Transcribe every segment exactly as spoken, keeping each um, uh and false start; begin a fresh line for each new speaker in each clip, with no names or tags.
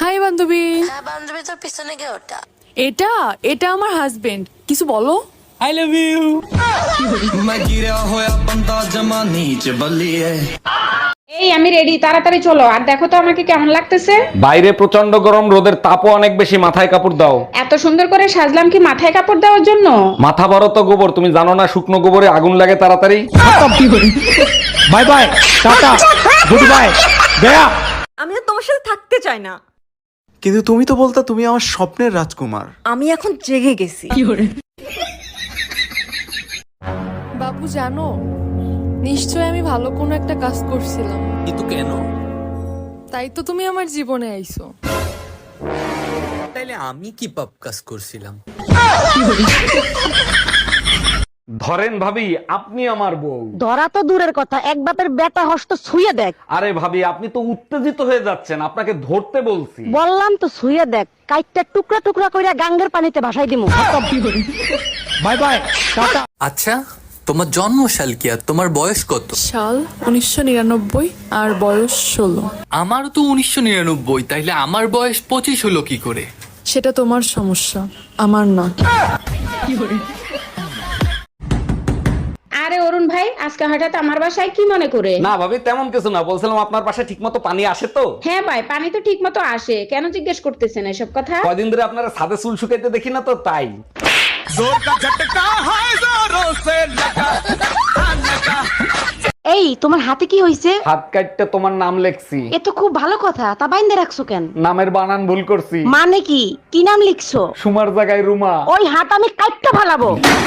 High বান্ধবী।
হ্যাঁ বান্ধবী, তোর পিছনে কে ওটা?
এটা এটা আমার হাজবেন্ড। কিছু বলো।
I love you.
मैं गिरा होया बंदा जमा नीच बल्लिए।
এই আমি রেডি, তাড়াতাড়ি চলো। আর দেখো তো আমাকে কেমন লাগতেছে।
বাইরে প্রচন্ড গরম, রোদের তাপও অনেক বেশি, মাথায় কাপড় দাও।
এত সুন্দর করে সাজলাম কি মাথায় কাপড় দেওয়ার জন্য?
মাথা ভরো তো গোবর, তুমি জানো না শুকনো গোবরে আগুন লাগে তাড়াতাড়ি।
Bye bye, tata, goodbye, গয়া।
আমি আর তোমার সাথে থাকতে চাই না।
কিন্তু তুমি তো বলতা তুমি আমার স্বপ্নের রাজকুমার।
আমি এখন জেগে গেছি।
বাবু জানো, নিশ্চয় আমি ভালো কোনো একটা কাজ করছিলাম।
কিন্তু কেন?
তাই তো তুমি আমার জীবনে আইছো।
তাইলে আমি কি পাপ কাজ করছিলাম?
ধরেন ভাবি, আপনি আমার বউ।
ধরা তো দূরের কথা, এক বাপের বেটা হস্ত ছুঁয়ে দেখ।
আরে ভাবি, আপনি তো উত্তেজিত হয়ে যাচ্ছেন, আপনাকে ধরতে বলছি।
বললাম তো ছুঁয়ে দেখ, কাইটটা টুকরা টুকরা কইরা গাঙ্গের পানিতে ভাসাই দিমু।
Bye bye, tata.
আচ্ছা, তোমার জন্ম সাল কি আর তোমার বয়স কত?
সাল উনিশশো নিরানব্বই আর বয়স ষোলো।
আমারও তো উনিশশো নিরানব্বই, তাইলে আমার বয়স পঁচিশ হলো কি করে?
সেটা তোমার সমস্যা, আমার না।
আরে অরুণ ভাই, আজকে হঠাৎ আমার বাসায় কি মনে করে?
না ভাবি, তেমন কিছু না, বলছিলাম আপনার বাসায় ঠিক মতো পানি আসে তো?
হ্যাঁ ভাই, পানি তো ঠিক মতো আসে, কেন জিজ্ঞেস করতেছেন এসব কথা?
কয়দিন ধরে আপনারা ছাদে চুল শুকাইতে দেখি না তো, তাই।
এই তোমার হাতে কি হইছে?
হাত কাটতে তোমার নাম লেখছি।
এ তো খুব ভালো কথা, তা বাইন্দে রাখছো কেন?
নামের বানান ভুল করছি,
মানে কি কি নাম লিখছো?
সুমার জায়গায় রুমা।
ওই হাত আমি কাটতে ফালাবো।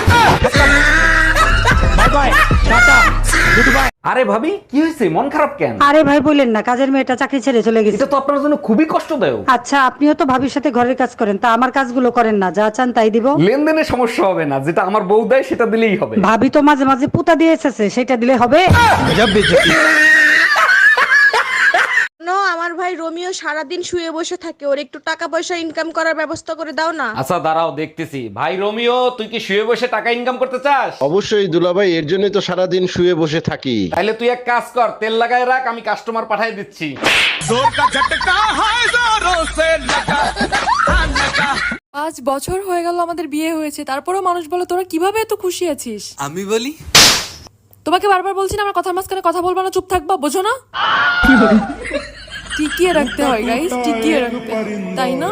Bye bye, tata, goodbye.
আরে ভাবি, কি হয়েছে, মন খারাপ কেন?
আরে ভাই বলেন না, কাজের মেয়েটা চাকরি ছেড়ে চলে গেছে।
এটা তো আপনার জন্য খুবই কষ্টদায়ক।
আচ্ছা, আপনিও তো ভাবির সাথে ঘরের কাজ করেন, তা আমার কাজগুলো করেন না, যা চান তাই দিব।
লেনদেনের সমস্যা হবে না, যেটা আমার বউ দেয় সেটা দিলেই হবে।
ভাবি তো মাঝে মাঝে পুতা দিয়ে এসেছে, সেটা দিলে হবে।
আমার ভাই রোমিও সারাদিন শুয়ে বসে থাকে, ওর একটু টাকা পয়সা ইনকাম করার ব্যবস্থা করে দাও না।
আচ্ছা দাঁড়াও, দেখতেছি। ভাই রোমিও, তুই কি শুয়ে বসে টাকা ইনকাম করতে চাস?
অবশ্যই দুলাভাই, এর জন্যই তো সারাদিন শুয়ে বসে থাকি।
তাহলে তুই এক কাজ কর, তেল লাগায় রাখ, আমি কাস্টমার পাঠিয়ে দিচ্ছি।
পাঁচ বছর হয়ে গেল আমাদের বিয়ে হয়েছে, তারপরেও মানুষ বলে তোরা কিভাবে এত খুশি আছিস।
আমি বলি,
তোমাকে বারবার বলছি না আমার কথার মাঝখানে কথা বলবা না, চুপ থাকবা, বোঝো না? টিকিয়ে রাখতে হয় গাইস, টিকিয়ে রাখতে, তাই না?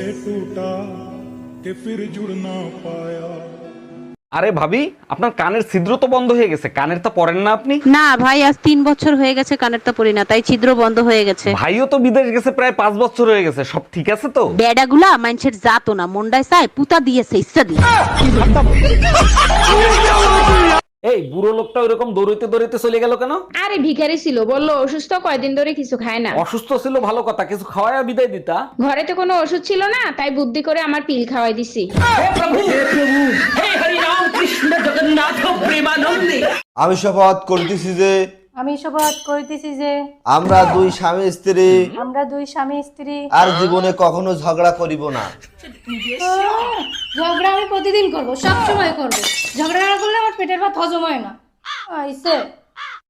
আরে ভাবি, আপনার কানের ছিদ্র তো বন্ধ হয়ে গেছে, কানের তো পরেন না আপনি?
না ভাই, আজ তিন বছর হয়ে গেছে কানেরটা পরি না, তাই ছিদ্র বন্ধ হয়ে গেছে।
ভাইও তো বিদেশ গেছে প্রায় পাঁচ বছর হয়ে গেছে, সব ঠিক আছে তো?
বেডাগুলা মানুষের জাতো না, মন্ডায় চায় পুতা দিয়েছে ইচ্ছা দিয়ে।
এই বুড়ো লোকটা ওইরকম দৌড়াইতে দৌড়াইতে চলে গেল কেন?
আরে ভিখারি ছিল, বললো অসুস্থ, কয়দিন ধরে কিছু খায় না।
অসুস্থ ছিল ভালো কথা, কিছু খাওয়ায় বিদায় দিতা।
ঘরে তো কোনো ওষুধ ছিল না, তাই বুদ্ধি করে আমার পিল খাওয়াই দিছি।
আমি শপথ করতেছি যে
আমি শপথ করিতেছি যে
আমরা দুই স্বামী স্ত্রী
আমরা দুই স্বামী স্ত্রী
আর জীবনে কখনো ঝগড়া করিব না।
ঝগড়া আমি প্রতিদিন করব, সব সময় করব। ঝগড়া না করলে আমার পেটের ভাত হজম হয় না। আইছে